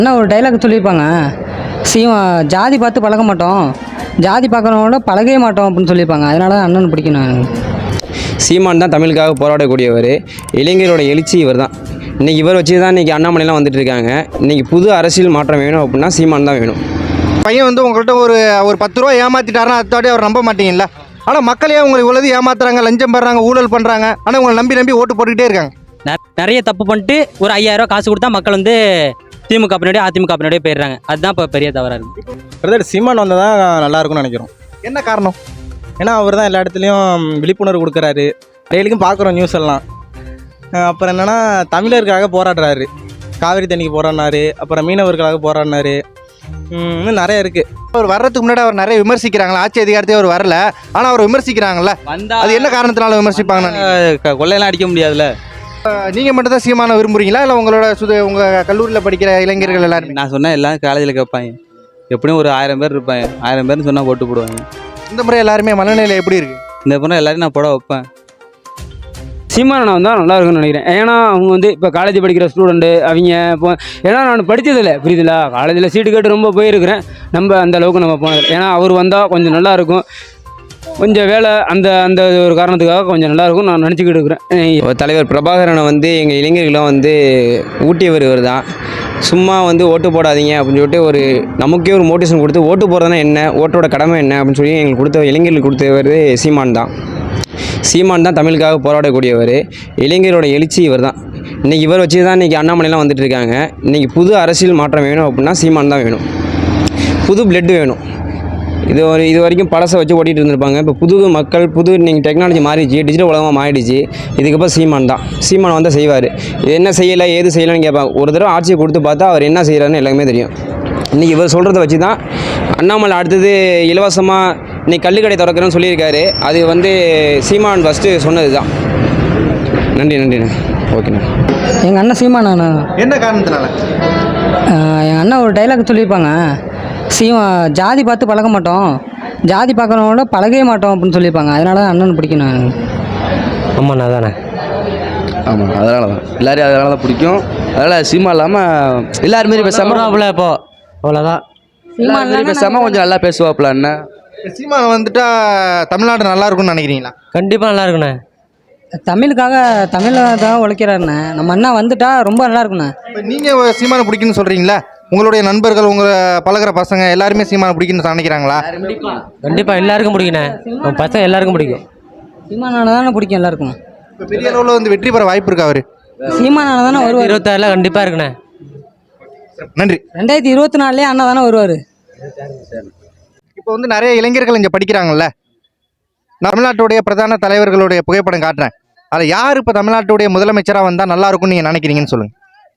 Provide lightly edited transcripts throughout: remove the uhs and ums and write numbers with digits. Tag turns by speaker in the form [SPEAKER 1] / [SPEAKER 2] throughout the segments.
[SPEAKER 1] அண்ணா ஒரு டைலாக் சொல்லியிருப்பாங்க, ஜாதி பார்த்து பழக மாட்டோம், ஜாதி பார்க்கறவங்களோட பழகவே மாட்டோம் அப்படின்னு சொல்லியிருப்பாங்க. அதனால தான் அண்ணன் பிடிக்கணும் எனக்கு.
[SPEAKER 2] சீமான் தான் தமிழுக்காக போராடக்கூடியவர். இளைஞரோட எழுச்சி இவர் தான். இன்றைக்கி இவர் வச்சு தான் இன்றைக்கி அண்ணாமலைலாம் வந்துட்டு இருக்காங்க. இன்றைக்கி புது அரசியல் மாற்றம் வேணும் அப்படின்னா சீமான் தான் வேணும்.
[SPEAKER 3] பையன் வந்து உங்கள்கிட்ட ஒரு 10 ரூபா ஏமாற்றிட்டாருன்னா அத்தாடி அவர் நம்ப மாட்டீங்களா? ஆனால் மக்களே உங்களை இவ்வளவு ஏமாத்துறாங்க, லஞ்சம் பெறாங்க, ஊழல் பண்ணுறாங்க. ஆனால் உங்களை நம்பி ஓட்டு போட்டுக்கிட்டே இருக்காங்க.
[SPEAKER 4] நிறைய தப்பு பண்ணிட்டு ஒரு 5000 ரூபா காசு கொடுத்தா மக்கள் வந்து திமுக பின்னாடியே அதிமுக பின்னாடியே போயிடுறாங்க. அதுதான் இப்போ பெரிய தவறாக இருக்குது.
[SPEAKER 5] பிரதர் சீமான் வந்தால் தான் நல்லா இருக்கும்னு நினைக்கிறோம்.
[SPEAKER 3] என்ன காரணம்?
[SPEAKER 5] ஏன்னா அவர் தான் எல்லா இடத்துலையும் விழிப்புணர்வு கொடுக்குறாரு. டெய்லிக்கும் பார்க்குறோம் நியூஸ் எல்லாம். அப்புறம் என்னென்னா தமிழருக்காக போராடுறாரு. காவிரி தண்ணிக்கு போராடினாரு, அப்புறம் மீனவர்களுக்காக போராடினாரு. இன்னும் நிறைய இருக்குது.
[SPEAKER 3] அவர் வர்றதுக்கு முன்னாடி அவர் நிறைய விமர்சிக்கிறாங்களா? ஆட்சி அதிகாரத்தை அவர் வரல, ஆனால் அவர் விமர்சிக்கிறாங்கல்ல. அது என்ன காரணத்தினால விமர்சிப்பாங்க?
[SPEAKER 5] கொள்ளையெல்லாம் அடிக்க முடியாதுல்ல.
[SPEAKER 3] நீங்கள் மட்டும் தான் சீமானை விரும்புறீங்களா, இல்லை உங்களோட உங்கள் கல்லூரியில் படிக்கிற இளைஞர்கள் எல்லாருமே?
[SPEAKER 6] நான் சொன்னால் எல்லாம் காலேஜில் கேட்பாங்க. எப்படியும் ஒரு 1000 பேர் இருப்பாங்க. 1000 பேர்னு சொன்னால் போட்டு போடுவாங்க.
[SPEAKER 3] இந்த முறை எல்லாருமே மனநிலை எப்படி இருக்குது?
[SPEAKER 6] இந்த முறை எல்லாரையும் நான் போட வைப்பேன்.
[SPEAKER 7] சீமானனை வந்தால் நல்லா இருக்குன்னு நினைக்கிறேன். ஏன்னா அவங்க வந்து இப்போ காலேஜ் படிக்கிற ஸ்டூடெண்ட்டு அவங்க இப்போ, ஏன்னா நான் படித்ததில்லை, புரியுதுங்களா? காலேஜில் சீட்டு கேட்டு ரொம்ப போயிருக்கிறேன். நம்ம அந்த அளவுக்கு நம்ம போனதில்லை. ஏன்னா அவர் வந்தால் கொஞ்சம் நல்லா இருக்கும், கொஞ்சம் வேலை அந்த அந்த ஒரு காரணத்துக்காக கொஞ்சம் நல்லாயிருக்கும் நான் நினச்சிக்கிட்டு இருக்கிறேன்.
[SPEAKER 2] தலைவர் பிரபாகரனை வந்து எங்கள் இளைஞர்களாம் வந்து ஊட்டியவர் இவர் தான். சும்மா வந்து ஓட்டு போடாதீங்க அப்படின்னு சொல்லிட்டு நமக்கே ஒரு மோட்டிவேஷன் கொடுத்து ஓட்டு போடுறதுனா என்ன, ஓட்டோட கடமை என்ன அப்படின்னு சொல்லி எங்களுக்கு கொடுத்த இளைஞர்களுக்கு கொடுத்தவர் சீமான் தான். சீமான் தான் தமிழுக்காக போராடக்கூடியவர். இளைஞரோட எழுச்சி இவர் தான். இன்றைக்கி இவர் வச்சு தான் இன்றைக்கி அண்ணாமலைலாம் வந்துட்டு இருக்காங்க. இன்றைக்கி புது அரசியல் மாற்றம் வேணும் அப்படின்னா சீமான் தான் வேணும். புது பிளட்டு வேணும். இது வரைக்கும் பழசை வச்சு ஓட்டிகிட்டு இருந்திருப்பாங்க. இப்போ புது மக்கள், நீங்கள் டெக்னாலஜி மாறிடுச்சு, டிஜிட்டல் உலகமாக மாறிடுச்சு. இதுக்கப்புறம் சீமான் தான். சீமான் வந்தால் செய்வார். என்ன செய்யலை, ஏது செய்யலைன்னு கேட்பாங்க. ஒரு தடவை ஆட்சியை கொடுத்து பார்த்தா அவர் என்ன செய்கிறாருன்னு எல்லாமே தெரியும். இன்றைக்கி இவர் சொல்கிறத வச்சு தான் அண்ணாமலை அடுத்தது இலவசமாக இன்றைக்கி கள்ளுக்கடை திறக்கிறேன்னு சொல்லியிருக்காரு. அது வந்து சீமான் ஃபஸ்ட்டு சொன்னது தான். நன்றிண்ணா. ஓகேண்ணா.
[SPEAKER 1] எங்கள் அண்ணன் சீமானா.
[SPEAKER 3] என்ன காரணத்தினால?
[SPEAKER 1] எங்கள் அண்ணன் ஒரு டைலாக் சொல்லியிருப்பாங்க, ஜாதி பார்த்து பழக மாட்டோம், ஜாதி பார்க்குறவங்களோட பழகவே மாட்டோம் அப்படின்னு சொல்லியிருப்பாங்க. அதனால தான் அண்ணன் பிடிக்கணும் எனக்கு.
[SPEAKER 4] ஆமாண்ணா தானே.
[SPEAKER 6] ஆமாம், அதனால தான் எல்லோரும் அதனால தான் பிடிக்கும். அதனால் சீமா இல்லாமல் எல்லாருமாரி பேசாமல்
[SPEAKER 4] இப்போ அவ்வளோதான்.
[SPEAKER 6] எல்லாருமாரி பேசாமல் கொஞ்சம் நல்லா பேசுவாப்புல அண்ணன்.
[SPEAKER 3] சீமானை வந்துட்டா தமிழ்நாடு நல்லா இருக்கும்னு நினைக்கிறீங்களா?
[SPEAKER 4] கண்டிப்பாக நல்லா இருக்குண்ணே.
[SPEAKER 1] தமிழுக்காக உழைக்கிறாருண்ணே. நம்ம அண்ணா வந்துட்டா ரொம்ப நல்லா இருக்குண்ணே.
[SPEAKER 3] நீங்கள் சீமானை பிடிக்குன்னு சொல்கிறீங்களா? உங்களுடைய நண்பர்கள், உங்களை பழகிற பசங்க எல்லாருமே சீமானை பிடிக்குன்னு நினைக்கிறாங்களா?
[SPEAKER 4] கண்டிப்பாக எல்லாருக்கும் பிடிக்குண்ணே. பசங்க எல்லாருக்கும் பிடிக்கும்.
[SPEAKER 1] சீமானால தானே பிடிக்கும் எல்லாருக்கும்.
[SPEAKER 3] இப்போ பெரிய அளவில் வந்து வெற்றி பெற வாய்ப்பு இருக்கா அவர்?
[SPEAKER 1] சீமானால தானே வருவார்.
[SPEAKER 4] 26 கண்டிப்பாக இருக்குண்ணே.
[SPEAKER 3] நன்றி.
[SPEAKER 1] 2024 அண்ணா தானே வருவார்.
[SPEAKER 3] இப்போ வந்து நிறைய இளைஞர்கள் இங்கே படிக்கிறாங்கல்ல. தமிழ்நாட்டுடைய பிரதான தலைவர்களுடைய புகைப்படம் காட்டுறேன். அதில் யார் இப்போ தமிழ்நாட்டுடைய முதலமைச்சராக வந்தால் நல்லா இருக்கும்னு நீங்கள் நினைக்கிறீங்கன்னு சொல்லுங்கள்.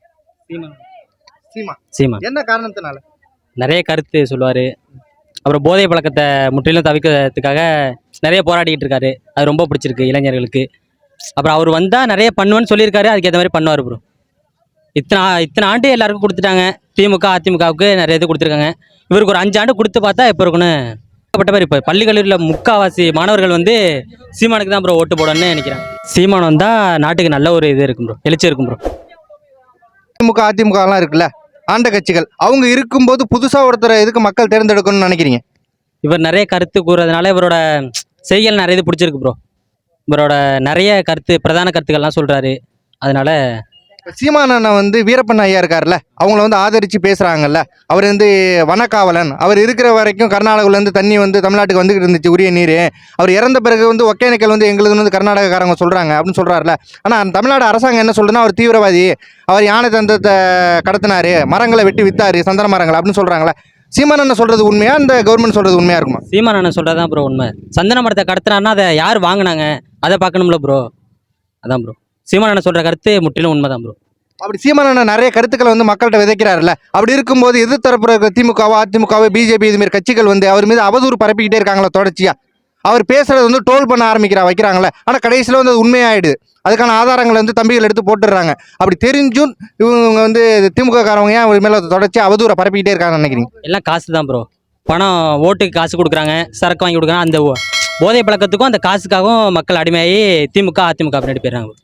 [SPEAKER 4] சீமான்.
[SPEAKER 3] என்ன காரணத்தினால?
[SPEAKER 4] நிறைய கருத்து சொல்லுவார். அப்புறம் போதை பழக்கத்தை முற்றிலும் தவிர்க்கிறதுக்காக நிறைய போராடிக்கிட்டு இருக்காரு. அது ரொம்ப பிடிச்சிருக்கு இளைஞர்களுக்கு. அப்புறம் அவர் வந்தால் நிறைய பண்ணுவேன்னு சொல்லியிருக்காரு. அதுக்கேற்ற மாதிரி பண்ணுவார் ப்ரோ. இத்தனை ஆண்டு எல்லாருக்கும் கொடுத்துட்டாங்க. திமுக அதிமுகவுக்கு நிறைய இது கொடுத்துருக்காங்க. இவருக்கு ஒரு 5 ஆண்டு கொடுத்து பார்த்தா எப்போ இருக்குன்னு பட்ட மாதிரி. இப்போ பள்ளி கல்லூரியில் முக்கால்வாசி மாணவர்கள் வந்து சீமானுக்கு தான் ப்ரோ ஓட்டு போடணும்னு நினைக்கிறேன். சீமான் வந்தால் நாட்டுக்கு நல்ல ஒரு இது இருக்கும் ப்ரோ, எழுச்சி இருக்கும் ப்ரோ.
[SPEAKER 3] திமுக அதிமுகலாம் இருக்குல்ல, ஆண்ட கட்சிகள், அவங்க இருக்கும்போது புதுசாக ஒருத்தர் எதுக்கு மக்கள் தேர்ந்தெடுக்கணும்னு நினைக்கிறீங்க?
[SPEAKER 4] இவர் நிறைய கருத்து கூறுறதுனால இவரோட செய்திகள் நிறைய இது பிடிச்சிருக்கு ப்ரோ. இவரோட நிறைய பிரதான கருத்துக்கள்லாம் சொல்கிறாரு. அதனால
[SPEAKER 3] சீமானண்ணா வந்து வீரப்பன் ஐயா இருக்கார்ல, அவங்கள வந்து ஆதரித்து பேசுகிறாங்கல்ல. அவர் வந்து வனக்காவலன். அவர் இருக்கிற வரைக்கும் கர்நாடகாவிலேருந்து தண்ணி வந்து தமிழ்நாட்டுக்கு வந்துக்கிட்டு இருந்துச்சு, உரிய நீர். அவர் இறந்த பிறகு வந்து ஒகேனக்கல் வந்து எங்களுக்கு வந்து கர்நாடகக்காரங்க சொல்கிறாங்க அப்படின்னு சொல்கிறாருல. ஆனால் தமிழ்நாடு அரசாங்கம் என்ன சொல்லுன்னா அவர் தீவிரவாதி, அவர் யானை தந்தத்தை கடத்தினார், மரங்களை வெட்டி வித்தாரு, சந்தன மரங்கள் அப்படின்னு சொல்கிறாங்களே. சீமானண்ணா சொல்கிறது உண்மையா, இந்த கவர்மெண்ட் சொல்கிறது உண்மையாக இருக்குமா?
[SPEAKER 4] சீமானண்ணா சொல்கிறது தான் ப்ரோ உண்மை. சந்தன மரத்தை கடத்தினார்னா அதை யார் வாங்கினாங்க அதை பார்க்கணும்ல ப்ரோ. அதான் ப்ரோ சீமானண்ணா சொல்கிற கருத்து முற்றிலும் உண்மை தான் ப்ரோ.
[SPEAKER 3] அப்படி சீமானண்ணா நிறைய கருத்துக்களை வந்து மக்கள்கிட்ட விதைக்கிறாருல்ல. அப்படி இருக்கும்போது எதிர்த்தரப்பு இருக்கிற திமுகவோ அதிமுகவோ பிஜேபி இதுமாரி கட்சிகள் வந்து அவர் மீது அவதூறு பரப்பிக்கிட்டே இருக்காங்களா தொடர்ச்சியாக? அவர் பேசுகிறது வந்து ட்ரோல் பண்ண வைக்கிறாங்களே. ஆனால் கடைசியில் வந்து அது உண்மையாயிடுது. அதுக்கான ஆதாரங்களை வந்து தம்பிகள் எடுத்து போட்டுடுறாங்க. அப்படி தெரிஞ்சும் இவங்க வந்து திமுக காரவங்க ஏன் அவர் மேலே தொடர்ச்சி அவதூறை பரப்பிக்கிட்டே இருக்காங்கன்னு நினைக்கிறீங்க?
[SPEAKER 4] எல்லாம் காசு தான் ப்ரோ. பணம் ஓட்டுக்கு காசு கொடுக்குறாங்க, சரக்கு வாங்கி கொடுக்குறாங்க. அந்த போதை பழக்கத்துக்கும் அந்த காசுக்காகவும் மக்கள் அடிமையாகி திமுக அதிமுக பின்னாடி போயிடுறாங்க.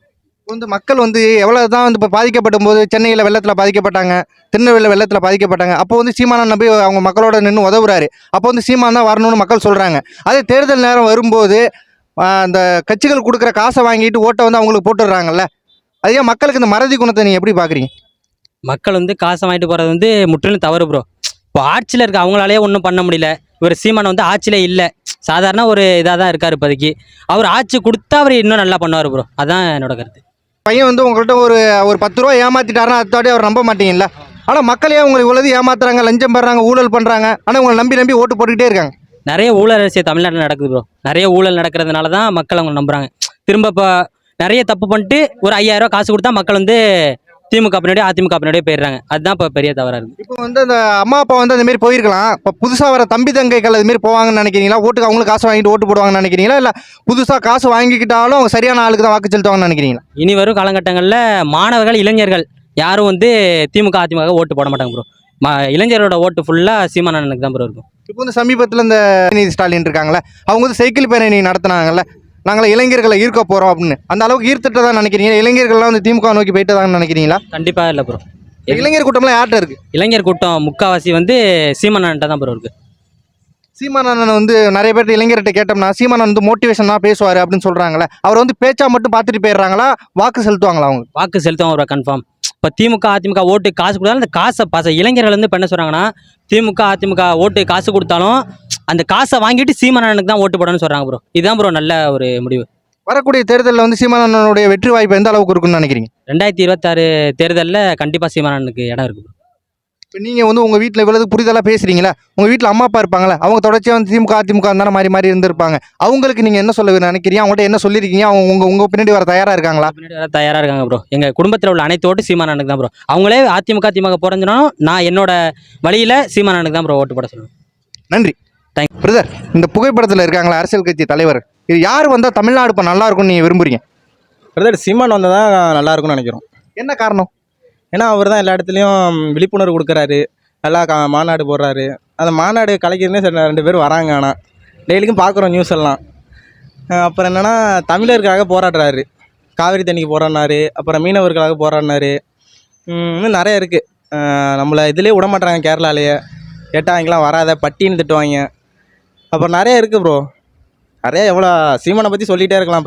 [SPEAKER 3] வந்து மக்கள் வந்து எவ்வளவு தான் வந்து இப்போ பாதிக்கப்படும் போது சென்னையில் வெள்ளத்தில் பாதிக்கப்பட்டாங்க, திருநெல்வேலியில் வெள்ளத்தில் பாதிக்கப்பட்டாங்க. அப்போ வந்து சீமானன் நம்பி அவங்க மக்களோட நின்று உதவுறாரு. அப்போ வந்து சீமான் தான் வரணும்னு மக்கள் சொல்கிறாங்க. அதே தேர்தல் நேரம் வரும்போது அந்த கட்சிகள் கொடுக்குற காசை வாங்கிட்டு ஓட்டை வந்து அவங்களுக்கு போட்டுடுறாங்கல்ல. அதே மக்களுக்கு இந்த மறதி குணத்தை நீங்கள் எப்படி பார்க்குறீங்க?
[SPEAKER 4] மக்கள் வந்து காசை வாங்கிட்டு போகிறது வந்து முற்றிலும் தவறு ப்ரோ. இப்போ ஆட்சியில் இருக்க அவங்களாலேயே ஒன்றும் பண்ண முடியல. இவர் சீமான் வந்து ஆட்சியில் இல்லை, சாதாரண ஒரு இதாக தான் இருக்கார் இப்போதைக்கு. அவர் ஆட்சி கொடுத்தா அவர் இன்னும் நல்லா பண்ணுவார் ப்ரோ. அதான் என்னோட கருத்து.
[SPEAKER 3] பையன் வந்து உங்கள்கிட்ட ஒரு ஒரு 10 ரூபா ஏமாத்திட்டாருன்னா அத்தாடி அவர் நம்ப மாட்டீங்கல்ல. ஆனால் மக்களே உங்களை இவ்வளவு ஏமாத்துறாங்க, லஞ்சம் பெறாங்க, ஊழல் பண்ணுறாங்க. ஆனால் உங்களை நம்பி நம்பி ஓட்டு போட்டுக்கிட்டே இருக்காங்க.
[SPEAKER 4] நிறைய ஊழல் அரசியல் தமிழ்நாட்டில் நடக்குது ப்ரோ. நிறைய ஊழல் நடக்கிறதுனால தான் மக்கள் அவங்க நம்புகிறாங்க. திரும்ப இப்போ நிறைய தப்பு பண்ணிட்டு ஒரு 5000 ரூபா காசு கொடுத்தா மக்கள் வந்து திமுக பின்னாடியே அதிமுக பின்னாடியே போயிடுறாங்க. அதுதான் இப்போ பெரிய தவறாக இருக்குது.
[SPEAKER 3] இப்போ வந்து அந்த அம்மா அப்பா வந்து அந்த மாதிரி போயிருக்கலாம். இப்போ புதுசாக வர தம்பி தங்கைகள் அது மாதிரி போவாங்கன்னு நினைக்கிறீங்களா? ஓட்டுக்கு அவங்களுக்கு காசு வாங்கிட்டு ஓட்டு போடுவாங்கன்னு நினைக்கிறீங்களா? இல்லை புதுசாக காசு வாங்கிக்கிட்டாலும் அவங்க சரியான ஆளுக்கு தான் வாக்கு செலுத்துவாங்கன்னு நினைக்கிறீங்களா?
[SPEAKER 4] இனி வரும் காலகட்டங்களில் மாணவர்கள், இளைஞர்கள் யாரும் வந்து திமுக அதிமுக ஓட்டு போட மாட்டாங்க ப்ரோ. இளைஞரோட ஓட்டு ஃபுல்லாக சீமானனுக்கு தான் ப்ரோ இருக்கும்.
[SPEAKER 3] இப்போ வந்து சமீபத்தில் இந்த உதயநிதி ஸ்டாலின் இருக்காங்களே, அவங்க வந்து சைக்கிள் பேரணி நடத்தினாங்கல்ல, நாங்களே இளைஞர்களை ஈர்க்க போகிறோம் அப்படின்னு. அந்த அளவுக்கு ஈர்த்துட்டு தான் நினைக்கிறீங்க? இளைஞர்கள்லாம் வந்து திமுக நோக்கி போயிட்டு தான் நினைக்கிறீங்களா?
[SPEAKER 4] கண்டிப்பாக இல்லை ப்ரோ.
[SPEAKER 3] இளைஞர் கூட்டம்லாம் யார்கிட்ட இருக்கு?
[SPEAKER 4] இளைஞர் கூட்டம் முக்கால்வாசி வந்து சீமானன்ட்ட தான் ப்ரோ இருக்குது.
[SPEAKER 3] சீமானந்தன் வந்து நிறைய பேர் இளைஞர்கிட்ட கேட்டோம்னா சீமானன் வந்து மோட்டிவேஷனாக பேசுவார் அப்படின்னு சொல்கிறாங்களே, அவர் வந்து பேச்சா மட்டும் பார்த்துட்டு போயிடுறாங்களா, வாக்கு செலுத்துவாங்களா? அவங்க
[SPEAKER 4] வாக்கு செலுத்துவாங்க ப்ரோ கன்ஃபார்ம். இப்போ திமுக அதிமுக ஓட்டு காசு கொடுத்தாலும் அந்த காசை இளைஞர்கள் வந்து இப்போ என்ன சொல்கிறாங்கன்னா, திமுக அதிமுக ஓட்டு காசு கொடுத்தாலும் அந்த காசை வாங்கிட்டு சீமானனுக்கு தான் ஓட்டு போடணும்னு சொல்கிறாங்க ப்ரோ. இதுதான் ப்ரோ நல்ல ஒரு முடிவு.
[SPEAKER 3] வரக்கூடிய தேர்தலில் வந்து சீமானனுடைய வெற்றி வாய்ப்பு எந்த அளவுக்கு இருக்குன்னு நினைக்கிறீங்க?
[SPEAKER 4] 2026 தேர்தலில் கண்டிப்பாக சீமானனுக்கு இடம் இருக்குது ப்ரோ.
[SPEAKER 3] இப்போ நீங்கள் வந்து உங்கள் வீட்டில் இவ்வளவு புரிதலாக பேசுகிறீங்களா? உங்கள் வீட்டில் அம்மா அப்பா இருப்பாங்களே, அவங்க தொடர்ச்சியாக வந்து திமுக அதிமுக தானே மாறி மாறி இருந்திருப்பாங்க. அவங்களுக்கு நீங்கள் என்ன சொல்ல நினைக்கிறீங்க? அவங்கள்ட்ட என்ன சொல்லியிருக்கீங்க? அவங்க உங்கள் பின்னாடி வர தயாராக இருக்காங்களா?
[SPEAKER 4] பின்னாடி வர தயாராக இருக்காங்க ப்ரோ. எங்கள் குடும்பத்தில் உள்ள அனைத்து ஓட்டு சீமானனுக்கு தான் ப்ரோ. அவங்களே அதிமுக திமுக போறஞ்சினாலும் நான் என்னோட வழியில் சீமானனுக்கு தான் ப்ரோ ஓட்டு போட சொல்லுவேன்.
[SPEAKER 3] நன்றி.
[SPEAKER 4] தேங்க்
[SPEAKER 3] பிரதர், இந்த புகைப்படத்தில் இருக்காங்களா அரசியல் கட்சி தலைவர், இது யார் வந்தால் தமிழ்நாடு இப்போ நல்லா இருக்கும்னு நீங்கள் விரும்புறீங்க?
[SPEAKER 5] பிரதர் சீமான் வந்தால் தான் நல்லா இருக்கும்னு நினைக்கிறோம்.
[SPEAKER 3] என்ன காரணம்?
[SPEAKER 5] ஏன்னா அவர் தான் எல்லா இடத்துலையும் விழிப்புணர்வு கொடுக்குறாரு, நல்லா மாநாடு போடுறாரு. அந்த மாநாடு கலைக்கிறதுனே சரி 2 பேர் வராங்க. ஆனால் டெய்லிக்கும் பார்க்குறோம் நியூஸ் எல்லாம். அப்புறம் என்னென்னா தமிழருக்காக போராடுறாரு, காவிரி தண்ணிக்கு போராடினாரு, அப்புறம் மீனவர்களுக்காக போராடினாரு. இன்னும் நிறைய இருக்குது. நம்மளை இதிலே விட மாட்டாங்க, கேரளாலேயே கேட்டால் அவங்களாம் வராத பட்டின்னு திட்டுவாங்க. அப்புறம் நிறைய இருக்குது ப்ரோ. நிறைய எவ்வளோ சீமானை பற்றி சொல்லிகிட்டே இருக்கலாம்.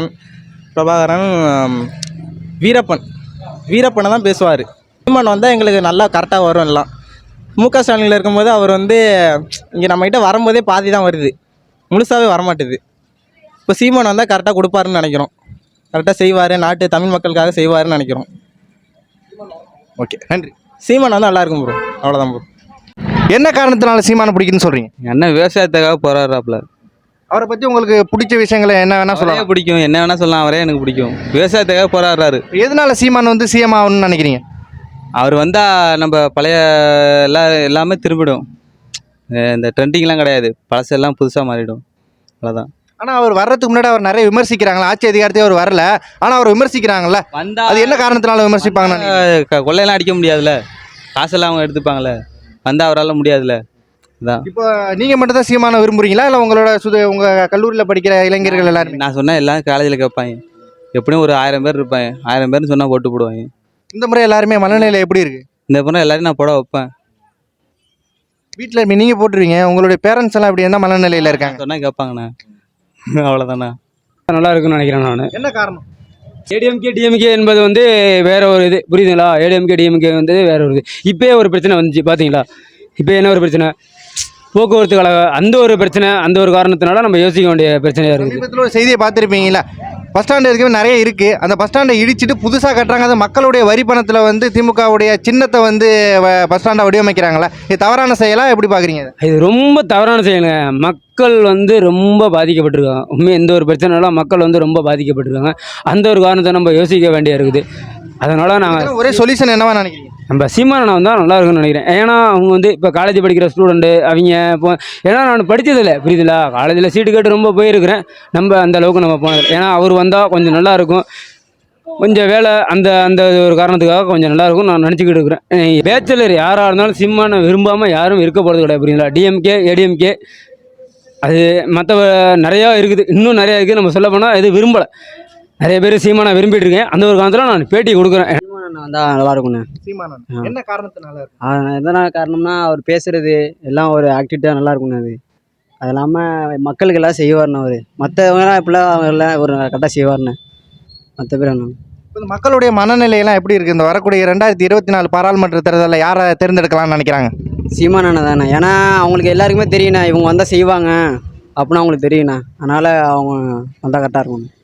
[SPEAKER 5] பிரபாகரன் வீரப்பனை தான் பேசுவார். சீமான் வந்தால் எங்களுக்கு நல்லா கரெக்டாக வரும். எல்லாம் முக ஸ்டாலினில் இருக்கும்போது அவர் வந்து இங்கே நம்மகிட்ட வரும்போதே பாதி தான் வருது, முழுசாகவே வரமாட்டுது. இப்போ சீமான் வந்தால் கரெக்டாக கொடுப்பாருன்னு நினைக்கிறோம். கரெக்டாக செய்வார், நாட்டு தமிழ் மக்களுக்காக செய்வாருன்னு நினைக்கிறோம்.
[SPEAKER 3] ஓகே, நன்றி.
[SPEAKER 5] சீமான் வந்தால் நல்லா இருக்கும் ப்ரோ. அவ்வளோதான் ப்ரோ.
[SPEAKER 3] என்ன காரணத்தினால சீமானை பிடிக்குன்னு சொல்கிறீங்க?
[SPEAKER 2] என்ன விவசாயத்துக்காக போராடுறாப்புல.
[SPEAKER 3] அவரை பற்றி உங்களுக்கு பிடிச்ச விஷயங்களை என்ன வேணால் சொல்லலாம்?
[SPEAKER 2] பிடிக்கும், என்ன வேணால் சொல்லலாம். அவரே எனக்கு பிடிக்கும். விவசாயத்துக்காக போராடுறாரு.
[SPEAKER 3] எதனால சீமான் வந்து சிஎம் ஆகணும்னு நினைக்கிறீங்க?
[SPEAKER 2] அவர் வந்தால் நம்ம பழைய எல்லாமே திரும்பிடும். இந்த ட்ரெண்டிங்லாம் கிடையாது, பழசெல்லாம் புதுசாக மாறிடும். அவ்வளோதான்.
[SPEAKER 3] ஆனால் அவர் வர்றதுக்கு முன்னாடி அவர் நிறைய விமர்சிக்கிறாங்களா? ஆட்சி அதிகாரத்தையே அவர் வரல, ஆனால் அவர் விமர்சிக்கிறாங்கல்ல. அது என்ன காரணத்தினால விமர்சிப்பாங்கன்னு?
[SPEAKER 2] கொள்ளையெல்லாம் அடிக்க முடியாதுல்ல, காசெல்லாம் அவங்க எடுத்துப்பாங்களே. வந்தால் அவரால் முடியாதுல்ல. அதான்.
[SPEAKER 3] இப்போ நீங்கள் மட்டும் தான் சீமானை விரும்புறீங்களா, இல்லை உங்களோட உங்கள் கல்லூரியில் படிக்கிற இளைஞர்கள் எல்லாருமே?
[SPEAKER 2] நான் சொன்னேன், எல்லாம் காலேஜில் கேட்பாங்க. எப்படியும் ஒரு 1000 பேர் இருப்பாங்க. 1000 பேர்னு சொன்னால் போட்டு போடுவாங்க.
[SPEAKER 3] இந்த முறை எல்லாருமே மனநிலை எப்படி இருக்கு?
[SPEAKER 2] இந்த முறை எல்லாரையும் நான் போட வைப்பேன்.
[SPEAKER 3] வீட்டில் நீங்கள் போட்டுருவீங்க, உங்களுடைய பேரண்ட்ஸ் எல்லாம் எப்படி இருந்தால் மனநிலையில் இருக்காங்க?
[SPEAKER 2] சொன்னால் கேட்பாங்கண்ணா. அவ்வளோதாண்ணா.
[SPEAKER 7] நல்லா இருக்குன்னு நினைக்கிறேன் நான்.
[SPEAKER 3] என்ன காரணம்?
[SPEAKER 7] ஏடிஎம்கே டிஎம்கே என்பது வந்து வேற ஒரு இது, புரியுதுங்களா? ஏடிஎம்கே டிஎம்கே வந்து வேற ஒரு இது. இப்போயே ஒரு பிரச்சனை வந்துச்சு பார்த்தீங்களா? இப்போ என்ன ஒரு பிரச்சனை? போக்குவரத்து கழக அந்த ஒரு பிரச்சனை, அந்த ஒரு காரணத்தினால நம்ம யோசிக்க வேண்டிய பிரச்சனையாக இருக்குது.
[SPEAKER 3] சமீபத்தில் ஒரு செய்தியை பார்த்துருப்பீங்களா? பஸ் ஸ்டாண்டு இருக்கவே நிறைய இருக்குது, அந்த பஸ் ஸ்டாண்டை இடிச்சிட்டு புதுசாக கட்டுறாங்க. அது மக்களுடைய வரி பணத்தில் வந்து திமுகவுடைய சின்னத்தை வந்து பஸ் ஸ்டாண்டை வடிவமைக்கிறாங்களே, இது தவறான செயலாக எப்படி பார்க்குறீங்க?
[SPEAKER 7] இது ரொம்ப தவறான செயலுங்க. மக்கள் வந்து ரொம்ப பாதிக்கப்பட்டிருக்காங்க. உண்மையாக எந்த ஒரு பிரச்சனைனாலும் மக்கள் வந்து ரொம்ப பாதிக்கப்பட்டிருக்காங்க. அந்த ஒரு காரணத்தை நம்ம யோசிக்க வேண்டிய இருக்குது. அதனால் நாங்கள்
[SPEAKER 3] ஒரே சொல்யூஷன் என்னவா நினைக்கிறீங்க?
[SPEAKER 7] நம்ம சீமானனை வந்தால் நல்லா இருக்குன்னு நினைக்கிறேன். ஏன்னா அவங்க வந்து இப்போ காலேஜ் படிக்கிற ஸ்டூடெண்ட்டு அவங்க. இப்போ ஏன்னா நான் படித்ததில்லை, புரியுதுங்களா? காலேஜில் சீட்டு கேட்டு ரொம்ப போயிருக்கிறேன். நம்ம அந்த அளவுக்கு நம்ம போனதில்லை. ஏன்னா அவர் வந்தால் கொஞ்சம் நல்லா இருக்கும், கொஞ்சம் வேலை அந்த அந்த ஒரு காரணத்துக்காக கொஞ்சம் நல்லாயிருக்கும் நான் நினச்சிக்கிட்டு இருக்கிறேன். பேச்சலர் யாராக இருந்தாலும் சீமானை விரும்பாமல் யாரும் இருக்க போகிறது கிடையாது, புரியுங்களா? டிஎம்கே ஏடிஎம்கே அது மற்ற நிறையா இருக்குது, இன்னும் நிறையா இருக்குது. நம்ம சொல்ல போனால் இது விரும்பலை. நிறைய பேர் சீமானை விரும்பிட்டு இருக்கேன். அந்த ஒரு காலத்தில் நான் பேட்டி கொடுக்குறேன்.
[SPEAKER 1] சீமானண்ணா வந்தால் நல்லா இருக்கும்ண்ணே.
[SPEAKER 3] சீமானன் என்ன காரணத்தினால இருக்கு?
[SPEAKER 1] எதனா காரணம்னா அவர் பேசுறது எல்லாம் ஒரு ஆக்டிவிட்டியாக நல்லா இருக்கும்ண்ணே. அது இல்லாமல் மக்களுக்கு எல்லாம் செய்வார்ண்ணே அவர். மற்றவங்கலாம் இப்படிலாம் எல்லாம் ஒரு கரெக்டாக செய்வார்ண்ணே. மற்ற பேர் என்ன
[SPEAKER 3] இப்ப இந்த மக்களுடைய மனநிலையெல்லாம் எப்படி இருக்கு? இந்த வரக்கூடிய 2024 பாராளுமன்ற தேர்தலில் யாரை தேர்ந்தெடுக்கலாம்னு நினைக்கிறாங்க?
[SPEAKER 1] சீமானண்ணா தானே. ஏன்னா அவங்களுக்கு எல்லாருக்குமே தெரியுண்ணா இவங்க வந்தால் செய்வாங்க அப்படின்னு அவங்களுக்கு தெரியுண்ணா. அதனால் அவங்க வந்தால் கரெக்டாக இருக்கும்.